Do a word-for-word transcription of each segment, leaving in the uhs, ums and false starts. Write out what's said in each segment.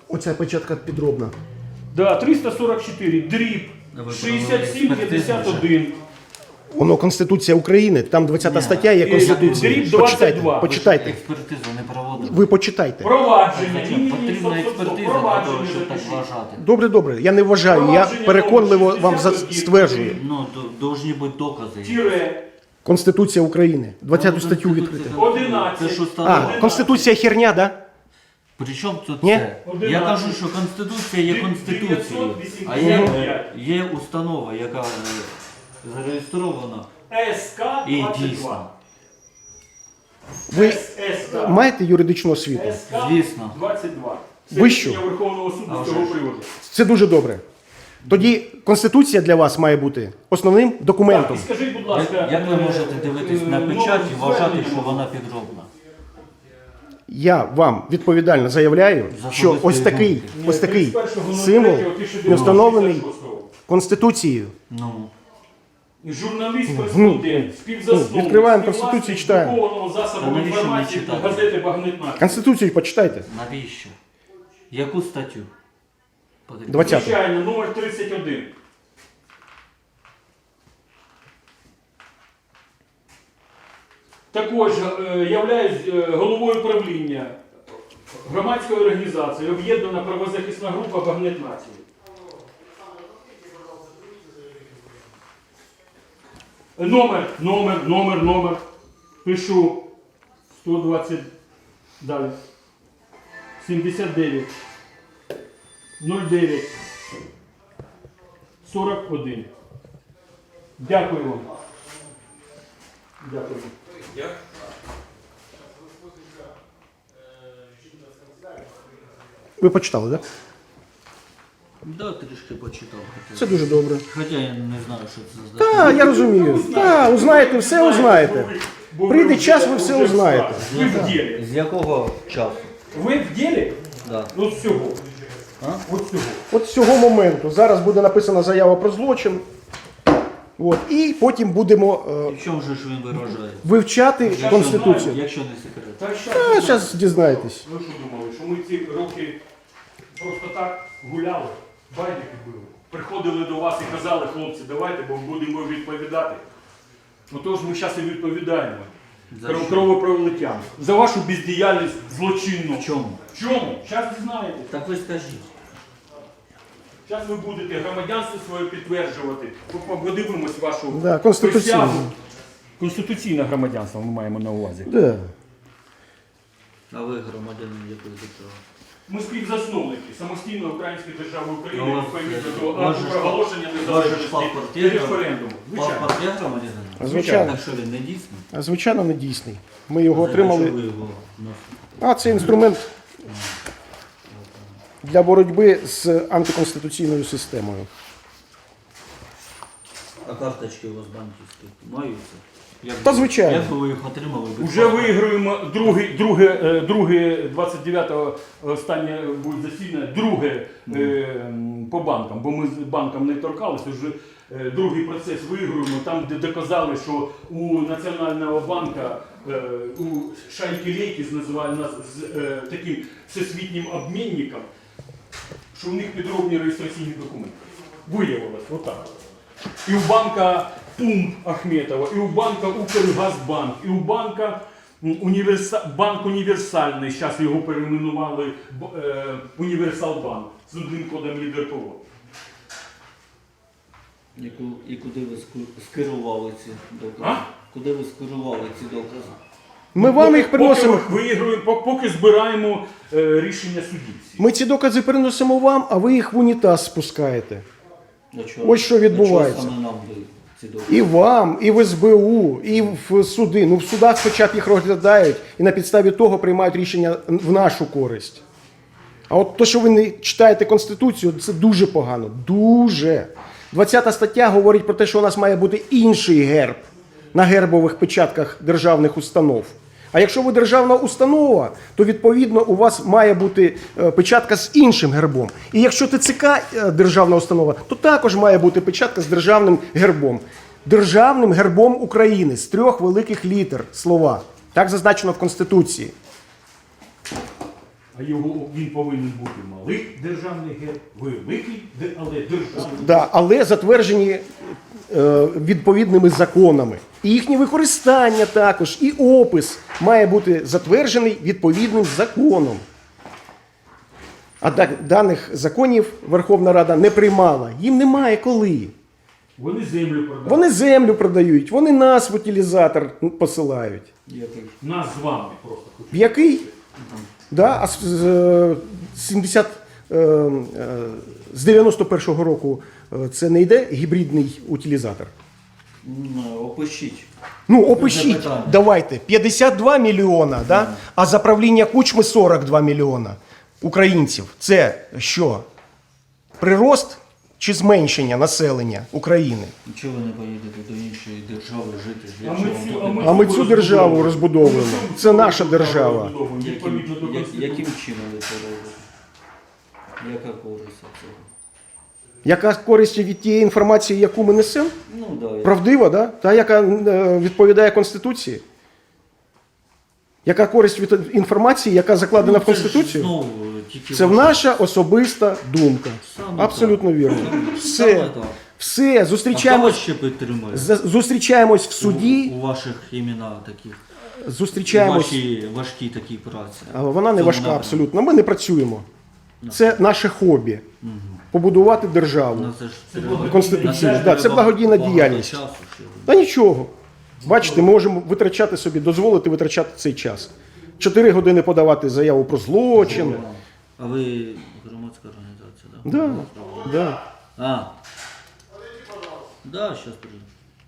Оця печатка підробна. Да, триста сорок чотири, дріб, шістдесят сім п'ятдесят один. Воно Конституція України, там двадцята стаття є Конституція. Дріб двадцять Почитайте, два. почитайте. Експертизу не проводили. Ви почитайте. Провадження. Ні, ні, ні, Потрібна стоп, стоп, стоп. експертиза для того, Провадження щоб так запишіть. вважати. Добре, добре, я не вважаю, я Провадження переконливо номер вам за- шістдесят один. стверджую. Ну, до- должні бути докази. Тіре, Конституція України, двадцяту статтю Конституція відкрити. там- одинадцять. Це що А, встановлено? Конституція херня, да? Причому тут Ні? це? Я Одинадцять. кажу, що Конституція є Конституцією, а є, дев'ятсот вісімдесят п'ять. є установа, яка е, зареєстрована СК і двадцять дійсна. два. Ви СК. маєте юридичну освіту? СК Звісно. двадцять два. Це Вищу? рішення Верховного суду А з вже цього ж. приводу. Це дуже добре. Тоді Конституція для вас має бути основним Так, документом. і скажіть, будь Як, ласка, як ви е, можете дивитись е, на номер печать і вважати, звернення? що вона підробна? Я вам відповідально заявляю, За що особистої ось такий, думки. ось такий тридцять першого символ третього тисяча не встановлений дев'ятсот шістдесят шостого. Конституцією. Ну, Журналіст, кореспондент, співзасновник, Відкриваємо співвласник Конституцію, читаємо. друкованого засобу Та навіщо інформації мені читати? газети «Багнетна». Конституцію почитайте. навіщо? Яку статтю? Подивіться. двадцяту. Звичайно, номер тридцять один. Також е, являюсь е, головою правління громадської організації «Об'єднана правозахисна група Багнет Нації». Номер, номер, номер, номер. Пишу сто двадцять, далі. сімдесят дев'ять, нуль дев'ять, сорок один. Дякую вам. Дякую. Ви почитали, так? Да, трішки почитав. хоча- Це дуже добре. Хоча я не знаю, що це за Так, я розумію. Так, узнаєте, все узнаєте. Прийде час, ви все узнаєте. Ви в ділі. З якого часу? Ви в ділі? Да. От всього. А? От всього. От з цього моменту зараз буде написана заява про злочин. От, і потім будемо е, І в чому же ж він виражає? вивчати Якщо Конституцію. знаю, Якщо не секрет. Та що? А зараз дізнаєтесь. Ви що думали, що ми ці роки просто так гуляли, байдики били? Приходили до вас і казали, хлопці, давайте, бо будемо відповідати. Отож ми зараз і відповідаємо. За що? Кровопролиттям. За вашу бездіяльність злочинну. В чому? В чому? Зараз дізнаєтесь. Так ви скажіть. Зараз ви будете громадянство своє підтверджувати. По- Подивимось вашу Да, конституційне. присягу. Конституційне громадянство ми маємо на увазі. Да. А ви громадянин якої держави? Ми співзасновники самостійної української держави України, Ну, у вас, відповідно е, до у вас акту же ж проголошення паспорт- у вас же ж незалежності паспорт і є, референдуму. Звичайно. Паспорт є громадянин? Звичайно. Так що він не дійсний? А звичайно не дійсний. Ми його Для чого отримали. ви його носите? А це інструмент для боротьби з антиконституційною системою. А карточки у вас банківські маються? Як, Та звичайно. Як би ви їх отримали? без Уже паспорта? виграємо друге, друге, е, друге двадцять дев'ятого останнє буде засідання, друге е, м, по банкам, бо ми з банком не торкалися, вже е, другий процес виграємо, там де доказали, що у Національного банка, е, у шайки-лейки, називають нас з е, таким всесвітнім обмінником, що в них підробні реєстраційні документи. Виявилось, отак. І у банка Пум Ахметова, і у банка Укргазбанк, і у банка м, універса... банк універсальний, зараз його перейменували б- е, Універсалбанк з одним кодом ЄДРПО. І ку- І куди ви ску- скерували ці докази? А? Куди ви скерували ці докази? Ми вам їх приносимо. Поки виігруємо, по- поки збираємо е, рішення судів. всі. Ми ці докази приносимо вам, а ви їх в унітаз спускаєте. Для чого? Ось що відбувається. Для чого саме нам ви ці докази? І вам, і в ес бе у, і в суди. Ну в судах хоча б їх розглядають і на підставі того приймають рішення в нашу користь. А от те, що ви не читаєте Конституцію, це дуже погано. Дуже. двадцята стаття говорить про те, що у нас має бути інший герб на гербових печатках державних установ. А якщо ви державна установа, то відповідно у вас має бути е, печатка з іншим гербом. І якщо те це ка е, державна установа, то також має бути печатка з державним гербом. Державним гербом України з трьох великих літер слова. Так зазначено в Конституції. А його він повинен бути малий державний герб, великий, де- але державний. Да, але затверджені е, відповідними законами. І їхнє використання також, і опис має бути затверджений відповідним законом. А да- даних законів Верховна Рада не приймала. Їм немає коли. Вони землю продають. Вони землю продають, вони нас в утилізатор посилають. Який? Нас з вами просто хочуть. В який? Да, а з, з, е, сімдесят, е, е, з дев'яносто першого року е, це не йде гібридний утилізатор? М, Опишіть. Ну, опишіть, запитання. давайте, п'ятдесят два мільйона, да? А за правління Кучми сорок два мільйона українців. Це що? Прирост чи зменшення населення України? Нічого ви не поїдете до іншої держави жити? Для А ми чого цю- вам а ми А ми цю державу розбудовуємо. розбудовуємо. Ми цю Це наша державу держава. розбудовуємо, Яким, відповідно до як- Конституції. яким чином ви це робите? Яка користь від цього? Яка користь від тієї інформації, яку ми несемо? Ну, да, я- Правдива, да? Та, яка е, відповідає Конституції? Яка користь від інформації, яка закладена Ну, в це ж Конституцію? знову тільки Це ваша- наша особиста думка. Саме Абсолютно так. вірно. Саме Все, так. все, А хто зустрічаємось, вас ще підтримує? з- зустрічаємось в суді, У, у ваших імена таких. У зустрічаємось. вашій важкій такій праці. А Вона не Цьому важка напрямку. абсолютно. Ми не працюємо. Це наше хобі. побудувати державу. Ну, це ж Це треба- Конституційно, на це да, ж це треба благодійна багато діяльність. часу ще. Та нічого. Бачите, ми можемо витрачати собі, дозволити витрачати цей час. Чотири години подавати заяву про злочин. А ви громадська організація, так? Да, да. А. Да, зараз прийду.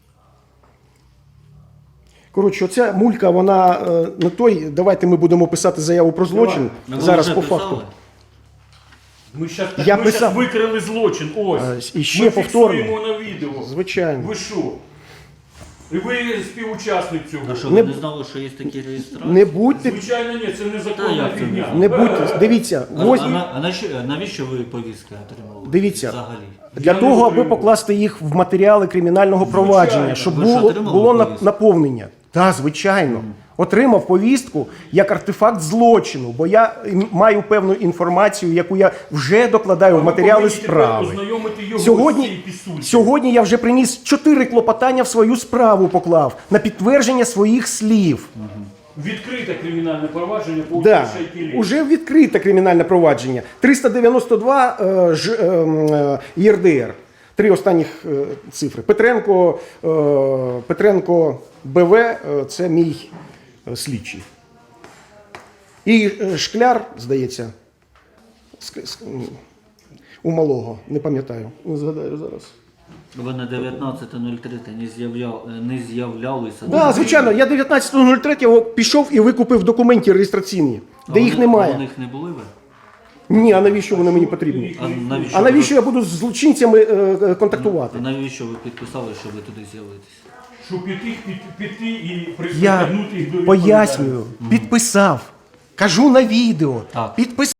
Коротше, оця мулька, вона е, не той. Давайте ми будемо писати заяву про злочин. А ви Зараз вже по писали? факту. Ми зараз Я ми писав. щас викрили злочин. Ось. А, і ще ми повторно. фіксуємо на відео. Звичайно. Ви що? І ви співучасник цього. А що, Не- ви не знали, що є такі реєстрації? Не будьте, Звичайно, ні, це Та незаконна як це фігня. не будьте. Дивіться, А, ось а, на- а навіщо, навіщо ви повістки отримали? Дивіться. Взагалі. для Я не того, аби отримав. покласти їх в матеріали кримінального провадження, щоб Ви ж було, отримали було на- повістку? наповнення. Так, звичайно. Отримав повістку як артефакт злочину, бо я м, маю певну інформацію, яку я вже докладаю в Ви матеріали повинні тепер справи. ознайомити його з Сьогодні, цією пісулькою. сьогодні я вже приніс чотири клопотання в свою справу поклав на підтвердження своїх слів. Відкрите кримінальне провадження по Да, Шайкілі. уже відкрите кримінальне провадження. триста дев'яносто два е, ж, е, м, е, ЄРДР. Три останніх е, цифри. Петренко, е, Петренко БВ е, це мій е, слідчий. І е, Шкляр, здається, ск- ск- м, у малого, не пам'ятаю, не згадаю зараз. Ви на дев'ятнадцяте нуль три не, з'являв, не з'являлися. Так, да, звичайно, я дев'ятнадцятого нуль третього пішов і викупив документи реєстраційні, А де їх вони- немає. А у них не були ви? Ні, а навіщо вони мені потрібні? А навіщо, А навіщо ви, я буду з злочинцями е, е, контактувати? а навіщо ви підписали, щоб ви туди з'явитися? Щоб піти, піти, піти і Я притягнути їх до пояснюю, підписав, кажу на відео, Так. підписав.